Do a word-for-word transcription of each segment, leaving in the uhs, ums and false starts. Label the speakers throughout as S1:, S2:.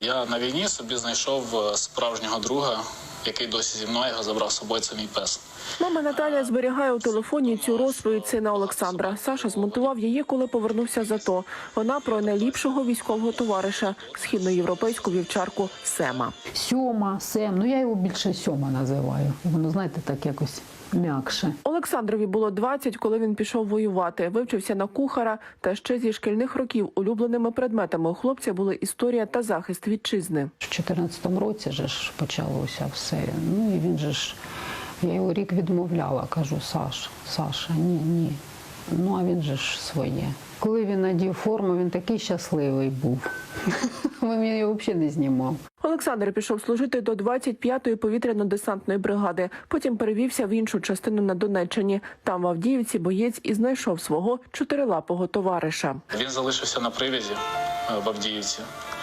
S1: Я на війні собі знайшов справжнього друга, який досі зі мною, його забрав з собою, це мій пес.
S2: Мама Наталя зберігає у телефоні цю розповідь сина Олександра. Саша змонтував її, коли повернувся з АТО. Вона про найліпшого військового товариша, східноєвропейську вівчарку Сема.
S3: Сьома, Сем, ну я його більше Сьома називаю. Воно, знаєте, так якось м'якше.
S2: Олександрові було двадцять, коли він пішов воювати. Вивчився на кухара, та ще зі шкільних років улюбленими предметами у хлопця були історія та захист вітчизни.
S3: В чотирнадцятому році же ж почалося все. Ну і він же ж, я його рік відмовляла, кажу, Саш, Саша, ні, ні. Ну а він же ж своє. Коли він надів форму, він такий щасливий був. Він його взагалі не знімав.
S2: Олександр пішов служити до двадцять п'ятої повітряно-десантної бригади. Потім перевівся в іншу частину на Донеччині. Там в Авдіївці боєць і знайшов свого чотирилапого товариша.
S1: Він залишився на привязі в Авдіївці.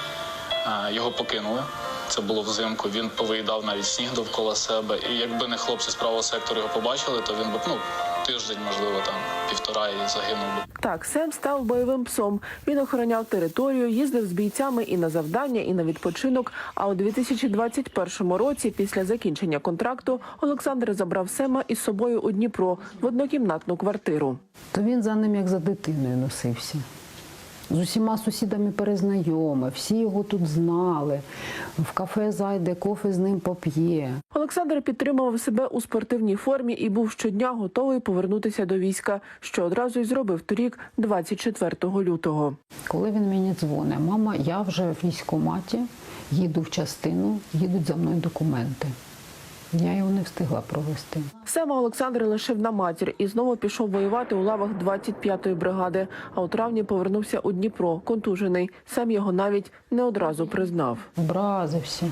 S1: Його покинули. Це було взимку. Він повиїдав навіть сніг довкола себе. І якби не хлопці з правого сектору його побачили, то він би, ну, тиждень, можливо, там, півтора і загинув би.
S2: Так, Сем став бойовим псом. Він охороняв територію, їздив з бійцями і на завдання, і на відпочинок. А у дві тисячі двадцять першому році, після закінчення контракту, Олександр забрав Сема із собою у Дніпро в однокімнатну квартиру.
S3: То він за ним як за дитиною носився. З усіма сусідами перезнайомив, всі його тут знали. В кафе зайде, кофе з ним поп'є.
S2: Олександр підтримував себе у спортивній формі і був щодня готовий повернутися до війська, що одразу й зробив торік, двадцять четвертого лютого.
S3: Коли він мені дзвонить, мама, я вже в військкоматі, їду в частину, їдуть за мною документи. Я його не встигла провести.
S2: Сема Олександр лишив на матір і знову пішов воювати у лавах двадцять п'ятої бригади. А у травні повернувся у Дніпро, контужений. Сам його навіть не одразу признав.
S3: Образився.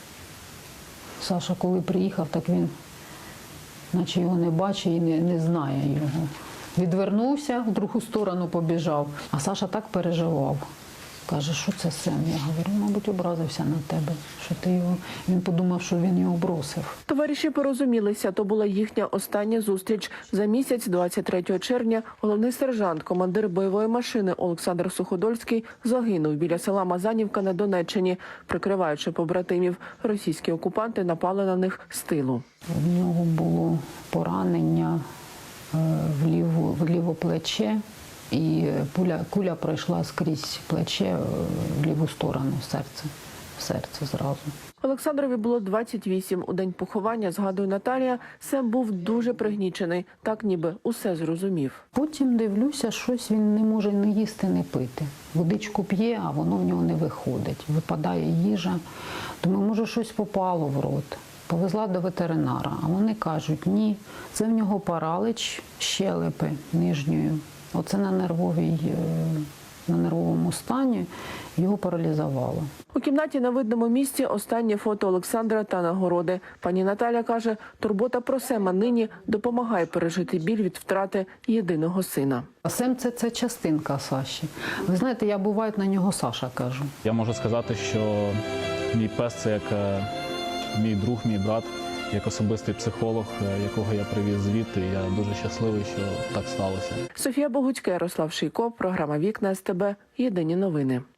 S3: Саша, коли приїхав, так він, наче його не бачить і не, не знає його. Відвернувся, в другу сторону побіжав. А Саша так переживав. Каже, що це Сем? Я говорю, мабуть, образився на тебе, що ти його... Він подумав, що він його бросив.
S2: Товариші порозумілися, то була їхня остання зустріч. За місяць, двадцять третього червня, головний сержант, командир бойової машини Олександр Суходольський загинув біля села Мазанівка на Донеччині. Прикриваючи побратимів, російські окупанти напали на них з тилу.
S3: В нього було поранення в ліву, в ліве плече. І пуля, куля пройшла скрізь плече в ліву сторону, в серце, в серце зразу.
S2: Олександрові було двадцять вісім. У день поховання, згадує Наталія, Сем був дуже пригнічений, так ніби усе зрозумів.
S3: Потім дивлюся, щось він не може не їсти, не пити. Водичку п'є, а воно в нього не виходить. Випадає їжа. Думаю, може щось попало в рот. Повезла до ветеринара, а вони кажуть, ні, це в нього паралич щелепи нижньої. Оце на нервовій, на нервовому стані його паралізувало.
S2: У кімнаті на видному місці останнє фото Олександра та нагороди. Пані Наталя каже, турбота про Сема нині допомагає пережити біль від втрати єдиного сина.
S3: Сем – це, це частинка Саші. Ви знаєте, я буває на нього Саша кажу.
S4: Я можу сказати, що мій пес – це як мій друг, мій брат. Як особистий психолог, якого я привіз звідти, я дуже щасливий, що так сталося.
S2: Софія Богуцька, Ярослав Шийко, програма «Вікна СТБ», єдині новини.